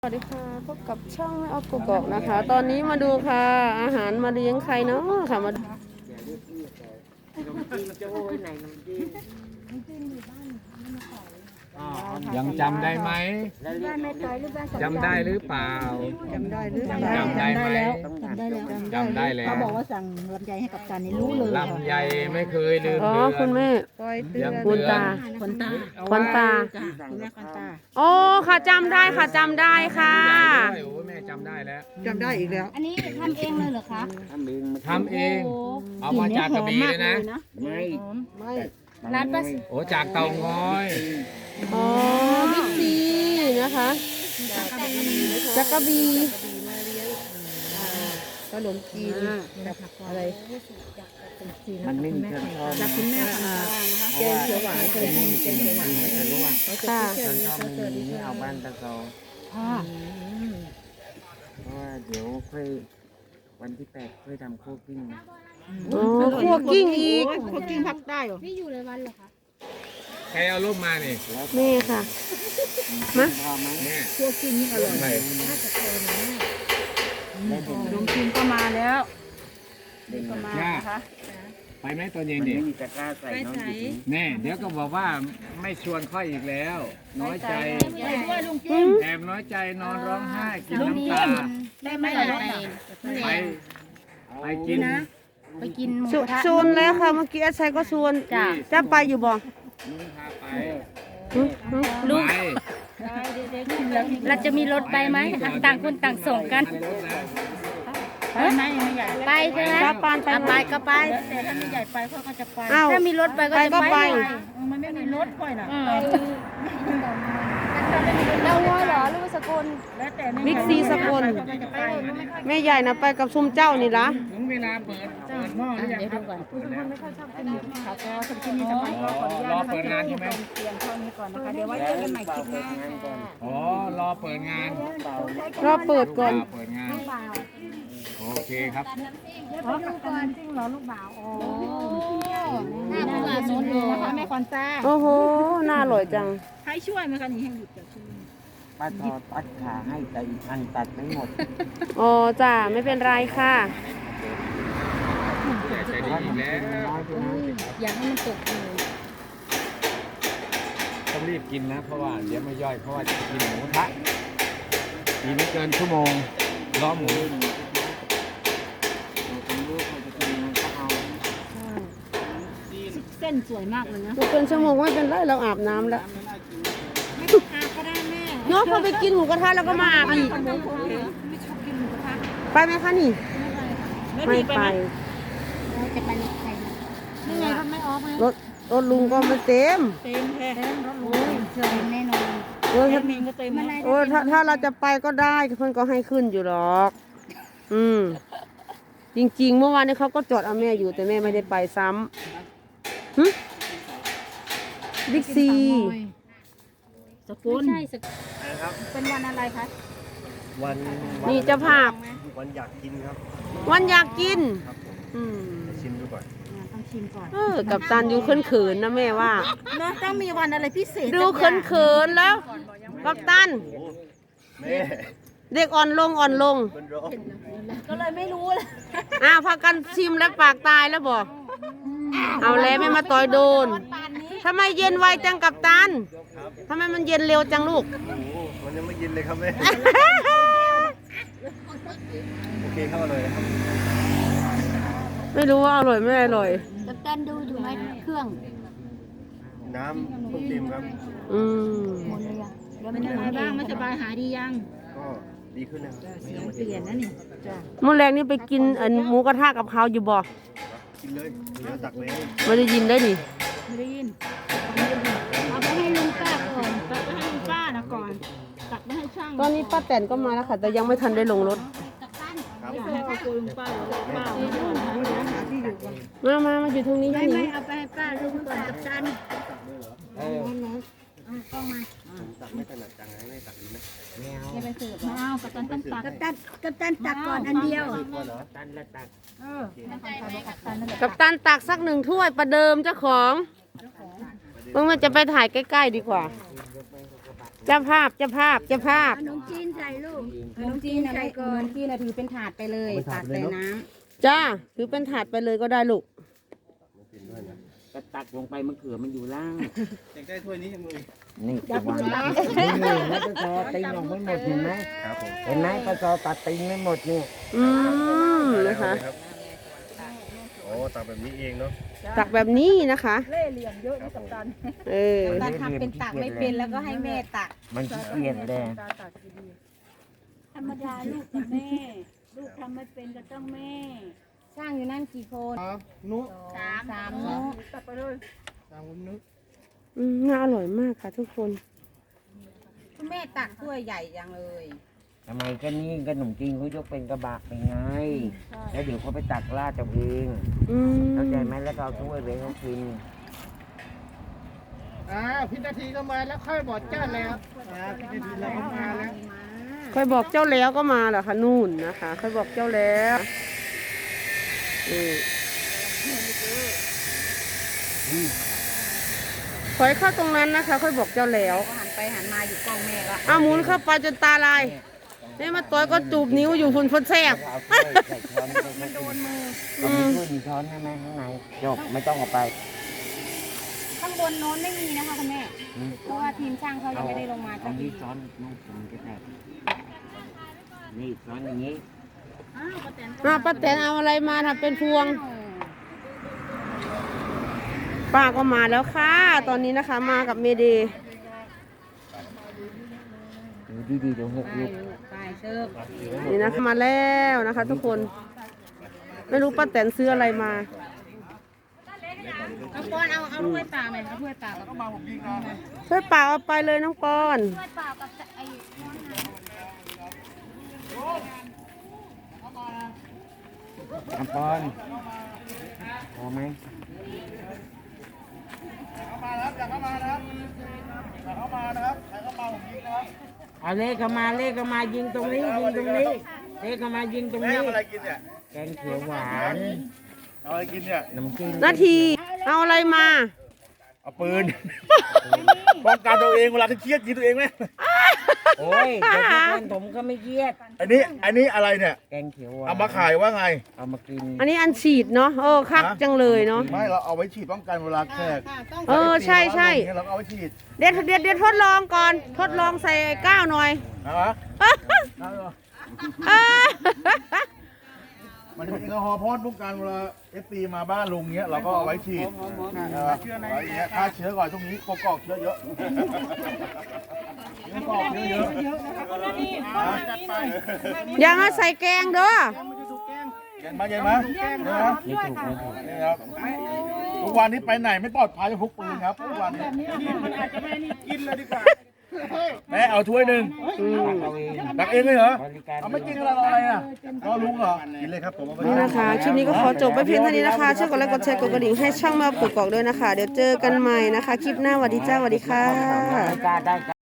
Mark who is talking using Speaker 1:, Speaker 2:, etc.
Speaker 1: สวัสดีค่ะพบกับช่องแม่ออฟกกอกนะคะ ตอนนี้มาดูค่ะอาหารมาเลี้ยงใครเนาะค่ะมาดู
Speaker 2: ยังจำได้ไหมจำได้หรือเปล่า
Speaker 1: จำได้หรือ
Speaker 2: จำได้ไหม
Speaker 3: จำได้แล้ว
Speaker 2: จำได้แล้ว
Speaker 3: เขาบอกว่าสั่งลำไยให้กับตันนี่รู้เลย
Speaker 2: ลำไยไม่เคยลืม
Speaker 1: อ๋อ
Speaker 2: เดือน
Speaker 1: คุณแม่
Speaker 2: ยัง
Speaker 1: คุณ
Speaker 2: เดือน
Speaker 1: ตา
Speaker 3: คนตา
Speaker 1: ควันตา
Speaker 3: จ้ะคุณแม่คนตา
Speaker 1: โอ้ค่ะจำได้ค่ะจำได้ค่ะ
Speaker 2: โอ้ยแม่จำได้แล้ว
Speaker 1: จำได้อีกแล้ว
Speaker 3: อันนี้ทำเองเลยเหรอคะ
Speaker 2: ทำเอง เอามาจากกระบี่เลยนะ
Speaker 4: ไม่
Speaker 1: ไม่
Speaker 3: ร้านป้า
Speaker 2: โอ้จากเตางอย
Speaker 1: อ๋อบิ๊กซีนะคะจักรบีขนมจีนกับอะไร
Speaker 4: มันไม่มีเครื่องทอด
Speaker 3: จากคุณแม่คนตานะคะ
Speaker 1: แกงเขียวหวานเคยกินแกงเขียวหวาน
Speaker 4: จะรู้ว่า
Speaker 1: ค่ะ
Speaker 4: เครื่องทอดไม่มีนี่เอาบ้านตะโก
Speaker 3: ค่ะ
Speaker 4: เพราะว่าเดี๋ยวค่อยวันที่8ค่อยทำโคกิ้งนะ
Speaker 1: อ๋อคั่วกิ้งอีก
Speaker 3: พวกกิ้งพักได้เหรอ
Speaker 2: ใครเอารูปมานี่
Speaker 1: นี่ค่ะ
Speaker 4: พอไหม
Speaker 2: แม่
Speaker 3: พวกกิ้งนี่อร่อย
Speaker 2: ไม่
Speaker 4: ได้เป็น
Speaker 3: ขนมจีนก็มาแล้ว
Speaker 4: เด่น
Speaker 3: ก็
Speaker 4: นะ
Speaker 3: มานะคะ
Speaker 2: ไปไหมตอนเย็
Speaker 4: มัน น
Speaker 2: ดิ
Speaker 4: ไม่มีตะกร้าใส่เน้องดิ
Speaker 2: แน่เดี๋ยวก็บอกว่าไม่ชวนค่อยอีกแล้ว น้อยใจ
Speaker 3: ไปด้วยลุงจิ้ม
Speaker 2: แอบน้อยใจนอนร้องไห้กินน้ำตา
Speaker 3: ได้ไหมล่ะ
Speaker 2: ไปไปกิน
Speaker 3: ไปกินหมูกระทะ
Speaker 1: ชวนแล้วค่ะเมื่อกี้อาชัยก็ชวน
Speaker 3: จ้ะ
Speaker 1: จะไปอยู่บ่
Speaker 2: ลุงพาไป
Speaker 3: ลูก
Speaker 2: ไป
Speaker 5: เราจะมีรถไปไหมต่างคนต่างส่งกัน
Speaker 3: ไปไหมไม่ใหญ่
Speaker 5: ไปใช่ไหม
Speaker 1: ป้าปานไป
Speaker 5: อ่ะ
Speaker 1: ไหม
Speaker 5: ไปก็ไป
Speaker 3: แต่ถ้าไม่ใหญ่ไปเขาก็จะไป
Speaker 1: อ้าว
Speaker 5: ถ้ามีรถไปก็
Speaker 1: ไป
Speaker 5: จะ
Speaker 1: ก็
Speaker 5: ไป
Speaker 1: ไป
Speaker 3: มันไม่มีรถค่อยน่ะ
Speaker 5: อืม
Speaker 3: เราว่าเหรอลูกสกุลแล้วแต่
Speaker 1: บิ๊กซีสกล แม่ใหญ่นะไปกับซุมเจ้านี่ละ
Speaker 2: ถึงเวลาเปิดหม้อหรือยังครับ
Speaker 3: ค่ะก็สำหรับที่นี่ทำไมก็ขออนุญาต
Speaker 2: รอเปิดงานใช่ไหม
Speaker 3: เตรียมเท่านี้ก่อนนะคะเดี๋ยวไว้เจอกันใหม่คลิปหน้าค่ะ
Speaker 2: อ๋อ รอเปิดงาน
Speaker 1: รอเปิดก่อน
Speaker 2: รอเปิดงาน โอเคครับ
Speaker 3: อ๋อกับกันจริงเหรอลูกบ่าวอ๋อ
Speaker 5: หน้าผู้ว่าสวนโล
Speaker 3: นะคะแม่คอนต้า
Speaker 1: โอ้โห น่าอร่อยจัง
Speaker 3: ใครช่วยไหมคะนี่ให้หยุดจากชื่อ
Speaker 4: ป้าทอตัดขาให้แต่อีกอันตัดไม่หมด
Speaker 1: อ๋อจ้าไม่เป็นไรค่ะ
Speaker 2: ใจดีอีกแล้ว
Speaker 4: น้อยไปนะ
Speaker 5: อยากให้มันตกอยู่
Speaker 2: ต้องรีบกินนะ เพราะว่าเดี๋ยวไม่ย่อย เพราะว่าจะกินหมูกระทะอีกไม่เกินชั่วโมงรอหมู
Speaker 4: เราเป็นลูกเราจะกินยังไงก็เอา
Speaker 3: เส้นสวยมากเลยนะ
Speaker 1: มันเป็นชั่วโมงไม่เป็นไรเราอาบน้ำแล้ว
Speaker 3: ไม่ต้องอาบก็ได้แม่
Speaker 1: เนาะพอไปกินหมูกระทะแล้วก็มาอาบอีก
Speaker 3: ไม่ชอบกินหมูกระทะ
Speaker 1: ไปไหมคะนี่ ไม่ไป
Speaker 5: เราจะไปรถใคร
Speaker 3: นี่ไงเขาไม่ออกไหม
Speaker 1: รถรถลุงก็ไม่เต็ม
Speaker 3: เต็มแท้รถหรู
Speaker 5: เชิญแน่นอน
Speaker 1: โอ้ย
Speaker 3: แอ
Speaker 1: ถ้า
Speaker 3: ดมินก็เต็มนะ
Speaker 1: โอ้ยถ้าเราจะไปก็ได้เพื่อนก็ให้ขึ้นอยู่หรอก อืม จริงๆ เมื่อวานนี้เขาก็จอดเอาแม่อยู่แต่แม่ไม่ได้ไปซ้ำหึบิ๊กซี
Speaker 3: สกุล
Speaker 5: ใช่สก
Speaker 3: เป็นวันอะไรคะ
Speaker 4: วัน
Speaker 1: นี่เจ้าภาพ
Speaker 4: วันอยากกินครับ
Speaker 1: วันอยากกิน อืม
Speaker 4: ชิมดูก่อน
Speaker 3: ต้องชิมก่อน
Speaker 1: กับตันอยู่เขินๆนะแม่ว่า
Speaker 3: เนาะต้องมีวันอะไรพิเศษ
Speaker 1: ดูเขินๆแล้ว กับตัน
Speaker 4: แม่
Speaker 1: เด็กอ่อนลงอ่อนลง
Speaker 4: มันร้อน
Speaker 3: ก็เลยไม่รู้เลย
Speaker 1: พากันชิมแล้วปากตายแล้วบอก เอาแล้วไม่มาต่อยโดนทำไมเย็นไวจังกับตันทำไมมันเย็นเร็วจังลูก
Speaker 4: โอ้โหมันยังไม่เย็นเลยครับแม่ โอเคเข้าเลยนะครับ
Speaker 1: ไม่รู้ว่าอร่อยไม่อร่อย
Speaker 5: กัปตันดูอยู่ไหมเครื่อง
Speaker 4: น้ำเพิ่งเต็มครับ
Speaker 1: อืม
Speaker 5: หมดเลยอ่ะเดี๋ยวมั
Speaker 3: เป็น นยังไงบ้างไม่สบายหายดียัง
Speaker 4: ก็ดีขึ้นนะครับ
Speaker 3: เสียงเปลี่ยนนะนี่จ้ะ
Speaker 1: เมื่อแรงนี่ไปกินหมูกระทะกับเขาอยู่บ่
Speaker 4: กินเลยเดี๋ยวตักเลย
Speaker 1: ไม่ได้ยินได้ดิ
Speaker 3: ไม่ได้ยิน
Speaker 5: เอาไปให้ลุงป้าก่อน
Speaker 3: ตักไปให้ลุงป้านะก่อน ตักไปให้ช่าง
Speaker 1: ตอนนี้ป้าแตนก็มาแล้วค่ะ แต่ยังไม่ทันได้ลงรถ
Speaker 4: ครับ
Speaker 3: ให้พ่อคุยลุงป้าหรือป้าเอาก่อนนะหาที่อยู่ก่อน
Speaker 1: มาอยู่ตรงนี้
Speaker 5: ไม่
Speaker 1: ที่
Speaker 5: ไม่
Speaker 1: นี่
Speaker 5: เอาไปให้ป้าลุงก่อนกัปตัน
Speaker 4: ตักไม่ถนัดจังไงไม่ตักดีไหม
Speaker 3: ไม่เอากับตันต้องตัก
Speaker 5: กัปตันตักก่อนอันเดียว
Speaker 4: ก็เหรอตันละตัก
Speaker 3: เออไม่ทำใครบอกกับตันนั่นแหละ
Speaker 1: กับตันตักสัก1 ถ้วยประเดิมเจ้าของเมื่อมันจะไปถ่ายใกล้ๆดีกว่าเจ้าภาพเจ้าภาพเจ้าภาพ
Speaker 3: ขนมจีนใส่ลูกขนมจีนนะไม่ขนมจีนนะถือเป็นถาดไปเลยตักใส่น้ำ
Speaker 1: จ้าถือเป็นถาดไปเลยก็ได้ลูก
Speaker 4: ก็ตักลงไปมะเขือมันอยู่ล่าง
Speaker 2: อยากได้ถ้วยนี้ยังเลย
Speaker 4: นี่วางนี่แล้วปซอติงออกไม่หมดเห็นไหม
Speaker 2: ครับผม
Speaker 4: เห็นไหมปซอตัดติงไม่หมดเนี่ย
Speaker 1: อืมนะคะ
Speaker 2: โอ้ตักแบบนี้เองเนาะ
Speaker 1: ตักแบบนี้นะคะ
Speaker 3: เล่เหลี่ยมเยอะนี่กับตัน
Speaker 1: เออ
Speaker 3: ตันทำเป็นตักไม่เป็นแล้วก็ให้แม่ตัก
Speaker 4: มันขี้เกียจเลย
Speaker 3: ธรรมดาลูกกับแม่ ลูกทำไม่เป็นก็ต้องแม่
Speaker 5: สร้างอยู่นั่นกี่คน
Speaker 2: นุ
Speaker 3: สามเนาะ
Speaker 2: ตามผมนุ
Speaker 1: น่าอร่อยมากค่ะทุกคน
Speaker 3: คุณแม่ตักถ้วยใหญ่ยังเลย
Speaker 4: ทำไมก็นี่ขนมจีนเขายกเป็นกระบะไปไง แล้วเดี๋ยวเขาไปตักราดเอาเอง
Speaker 1: อืม
Speaker 4: เข้าใจไหมแล้วก็เอาถ้วยไปให้เขากิน
Speaker 2: พินาทีก็มาแล้วค่อยบอกเจ้าแล้วพินาทีเราก็มาแล้ว
Speaker 1: ค่อยบอกเจ้าแล้วก็มาเหรอคะนู่นนะคะค่อยบอกเจ้าแล้วถอยเข้าตรงนั้นนะคะ ค่อยบอกเจ้าแล้ว
Speaker 3: ก็หันไปหันมาอยู่กล้องแม่ก็
Speaker 1: เอาหมุนเข้าไปจนตาลายนี่มาตัวก็จูบนิ้วอยู่คุณพนแซบ
Speaker 4: เอาถ้วยใส่ช้อนไปให้เขากินเอามีถ้วยมีช้อนใช่ไหมข้างในจบไม่ต้องเอาไป
Speaker 5: ข้างบนโน้นไม่มีนะคะคุณแม่ เพราะว่าทีมช่างเขายังไม่ได้ลงมา
Speaker 4: เอา
Speaker 5: สักที
Speaker 4: นี้ช้อนนู่นผมจะแตกนี่ช้อนอย่างนี้
Speaker 1: ป้าแตนเอาอะไรมาทำเป็นพวง ป้าก็มาแล้วค่ะ ตอนนี้นะคะมากับเมเดย์
Speaker 4: ดูดีๆเดี๋ยวหกลูก
Speaker 3: ไปเชิญ
Speaker 1: นี่นะคะมาแล้วนะคะ ทุกคน ไม่รู้ป้าแตนซื้ออะไรมา
Speaker 3: เอาปอนเอาถ้วยเปล่าไหมเอาถ้วยเปล่าก็มา
Speaker 1: ช่วยเปล่าเอาไปเลยน้องปอน
Speaker 5: ด้วยเปล่ากับไอ้
Speaker 4: อัมปอนพอไหมเอาเลขเข้ามาเลขเข้ามายิงตรงนี้ยิงตรงนี้เลขเข้ามายิงตรงนี้
Speaker 2: อะไรกินเนี่ย
Speaker 4: แกงเขียวหวาน
Speaker 2: เอาอะไรกินเนี่ย
Speaker 4: น้ำจิ้ม
Speaker 1: นาทีเอาอะไรมา
Speaker 2: เอาปืนป้องกันตัวเองเวลาที่เครียดยิงตัวเองไหม
Speaker 4: โอ้ยเด็กทุกคนผมก็ไม่เครียด
Speaker 2: อันนี้อะไรเนี่ย
Speaker 4: แกงเขียวหวาน
Speaker 2: เอามาขายว่าไง
Speaker 4: เอามากิน
Speaker 1: อันนี้อันฉีดเนาะคักจังเลยเนาะ
Speaker 2: ไม่เราเอาไว้ฉีดป้องกันเวลาแขก
Speaker 1: ใช่ใช่
Speaker 2: เราเอาไว้ฉีด
Speaker 1: เดี๋ยวทดลองก่อน ทดลองใส่ก้าวหน่อย
Speaker 2: นะฮะ มันจะเป็นแอลกอฮอล์พ่นป้องกันเวลาFPมาบ้านลุงเงี้ยเราก็เอาไว้ฉีดเชื้อในเงี้ยฆ่าเชื้อก่อนช่วงนี้กอกเชื้อเยอะกอกเชื้อเยอะจัดไป
Speaker 1: อย่ามาใส่แกงเด้อ
Speaker 2: เย็นมานะ
Speaker 4: ไม่ถูกไม่ถูก
Speaker 2: นี่ครับทุกวันนี้ไปไหนไม่ปลอดภัยจะพกปืนครับทุกวันนี้มันอาจจะไม่นี่กินเลยดีกว่าแม่เอาถ้วยหนึ่ง
Speaker 4: เอาเอง
Speaker 2: ตักเองเลยเหรอ
Speaker 4: บริการ
Speaker 2: เอาไม่กินอะไรรออะไรอ่ะรอลุงเหรอกินเลยครับผม
Speaker 1: นี่นะคะคลิปนี้ก็ขอจบไปเพียงเท่านี้นะคะช่วยกดไลค์กดแชร์กดกระดิ่งให้ช่างมาปกกอกด้วยนะคะ เดี๋ยวเจอกันใหม่นะคะ คลิปหน้าสวัสดีจ้าสวัสดีค่ะ
Speaker 4: บริการได้